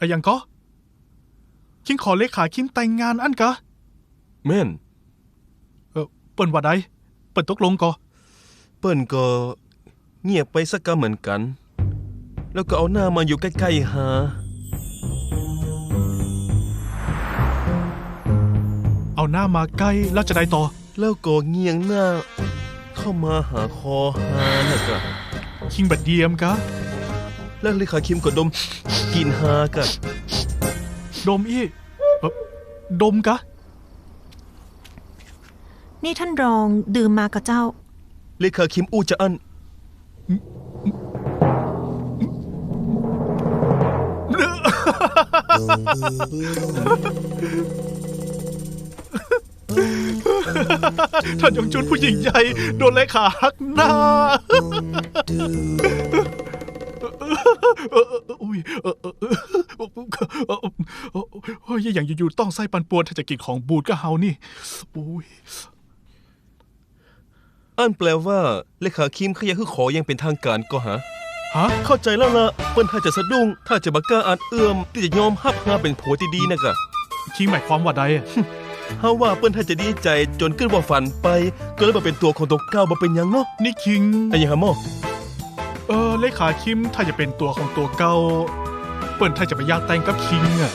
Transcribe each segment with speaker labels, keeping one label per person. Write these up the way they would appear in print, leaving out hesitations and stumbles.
Speaker 1: อะยังก็คิงขอเลขาคิมแต่งงานอันกะ
Speaker 2: แม่น
Speaker 1: เปิ้นว่าใดเปิ้นตกลงก็
Speaker 2: เปิ้นก็เงียบไปสักกะเหมือนกันแล้วก็เอาหน้ามาอยู่ใกล้ๆหา
Speaker 1: เอาหน้ามาใกล้แล้วจะได้ต่อ
Speaker 2: แล้วก็เงียงหน้าเข้ามาหาคอหาน่ะกะ
Speaker 1: คิงบัดเดียมกะ
Speaker 2: แล้วเลขาคิมก็ดมกินหากะ
Speaker 1: ดมอีดมกะ
Speaker 3: นี่ท่านรองดื่มมากับเจ้า
Speaker 2: เลขาคิมอู้จะอัน
Speaker 1: ท่านยงจุนผู้หญิงใหญ่โดนเลขาหักหน้าอุ้ยอย่างอยู่ๆต้องไส้ปันป่วนถ้าจะกินของบูดก็เฮานี่อุ้ย
Speaker 2: อันแปลว่าเลขาคิมเขาอยากขอยังเป็นทางการก็ฮะเข้าใจแล้วล่ะเปิ้นถ้าจะสะดุ้งถ้าจะบักกล้าอาจเอื้อมที่จะยอมฮับหาเป็นผัวที่ดีนะกะ
Speaker 1: คิงหมายความว่าใด
Speaker 2: เฮาว่าเปิ้นถ้าจะดีใจจนขึ้นว่าฝันไปก็เลยมาเป็นตัวของตัวเก่าบ่เป็นหยังเนาะ
Speaker 1: นี่คิง
Speaker 2: แต่ยังหาหมอ
Speaker 1: เลขาคิมถ้าจะเป็นตัวของตัวเก่าเปิ้นถ้าจะไปอยากแต่งกับคิงอ่ะ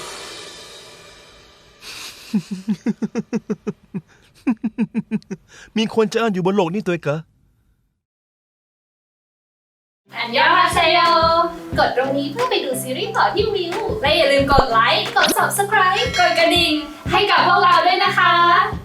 Speaker 2: มีคนจะอ่านอยู่บนโลกนี้ตัวกะ
Speaker 4: อันยองฮาเซโยกดตรงนี้เพื่อไปดูซีรีส์ต่อที่วิวและอย่าลืมกดไลค์ กด Subscribe กดกระดิ่งให้กับพวกเราด้วยนะคะ